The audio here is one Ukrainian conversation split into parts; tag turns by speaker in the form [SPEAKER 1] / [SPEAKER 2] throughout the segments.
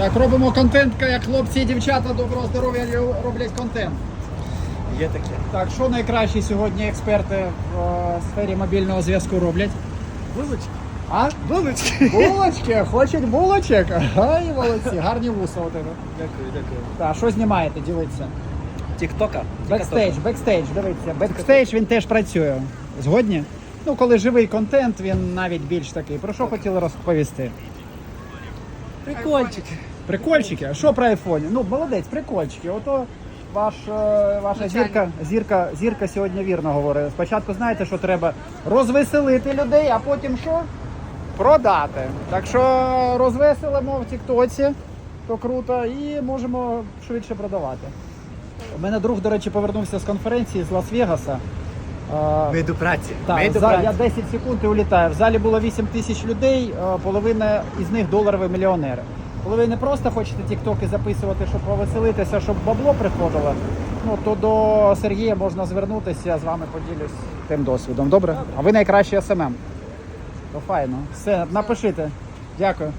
[SPEAKER 1] Так, робимо контент, як хлопці і дівчата доброго здоров'я роблять контент.
[SPEAKER 2] Є таке.
[SPEAKER 1] Так, що найкращі сьогодні експерти в сфері мобільного зв'язку роблять?
[SPEAKER 2] Булочки.
[SPEAKER 1] А?
[SPEAKER 2] Булочки.
[SPEAKER 1] Булочки? Хочуть булочок? Ай, молодці, гарні вуса у тебе.
[SPEAKER 2] Дякую, дякую.
[SPEAKER 1] Так, що знімаєте, ділиться?
[SPEAKER 2] Тіктока.
[SPEAKER 1] Бекстейдж, дивіться. Бекстейдж він теж працює. Згодні? Ну, коли живий контент, він навіть більш такий. Про що хотіли розповісти?
[SPEAKER 2] Прикольчик.
[SPEAKER 1] Прикольчики? А що про айфоні? Ну, молодець, прикольчики. Ото ваша зірка сьогодні вірно говорить. Спочатку знаєте, що треба розвеселити людей, а потім що? Продати. Так що розвеселимо в Тіктоці, то круто, і можемо швидше продавати. У мене друг, до речі, повернувся з конференції з Лас-Вегаса.
[SPEAKER 2] Ми до праці.
[SPEAKER 1] Так, я 10 секунд і улітаю. В залі було 8 тисяч людей, половина із них доларові мільйонери. Коли ви не просто хочете тіктоки записувати, щоб повеселитися, щоб бабло приходило, ну, то до Сергія можна звернутися, я з вами поділюсь тим досвідом. Добре? А ви найкращий СММ. То файно. Все, напишите. Дякую.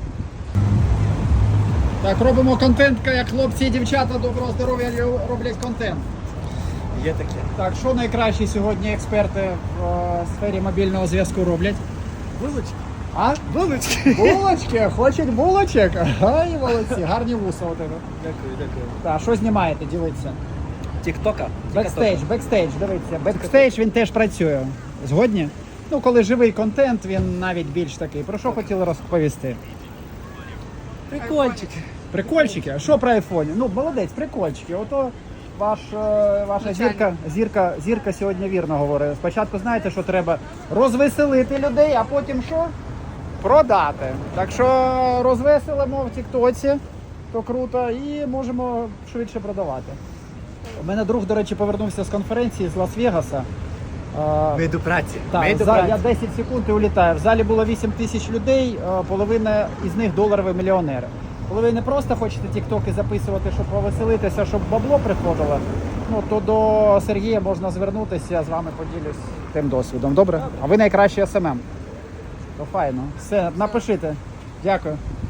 [SPEAKER 1] Так, робимо контент, як хлопці і дівчата доброго здоров'я роблять контент.
[SPEAKER 2] Є таке.
[SPEAKER 1] Так, що найкращі сьогодні експерти в сфері мобільного зв'язку роблять?
[SPEAKER 2] Булочки.
[SPEAKER 1] А?
[SPEAKER 2] Булочки.
[SPEAKER 1] Булочки? Хочуть булочок? Ай, молодці, гарні вуса у тебе.
[SPEAKER 2] Дякую, дякую.
[SPEAKER 1] Так, що знімаєте, ділиться?
[SPEAKER 2] Тіктока.
[SPEAKER 1] Бекстейдж, дивіться. Бекстейдж він теж працює. Згодні? Ну, коли живий контент, він навіть більш такий. Про що хотіли розповісти?
[SPEAKER 2] Прикольчик.
[SPEAKER 1] Прикольчики? А що про айфоні? Ну, молодець, прикольчики. Ото ваша зірка сьогодні вірно говорить. Спочатку знаєте, що треба розвеселити людей, а потім що? Продати. Так що розвеселимо в Тіктоці, то круто, і можемо швидше продавати. У мене друг, до речі, повернувся з конференції з Лас-Вегаса.
[SPEAKER 2] Ми до праці.
[SPEAKER 1] Так,
[SPEAKER 2] Ми до праці.
[SPEAKER 1] я 10 секунд і улітаю. В залі було 8 тисяч людей, половина із них доларові мільйонери. Коли ви не просто хочете тіктоки записувати, щоб повеселитися, щоб бабло приходило, ну, то до Сергія можна звернутися, я з вами поділюсь тим досвідом. Добре? А ви найкращий СММ. То файно. Все, напишите. Дякую.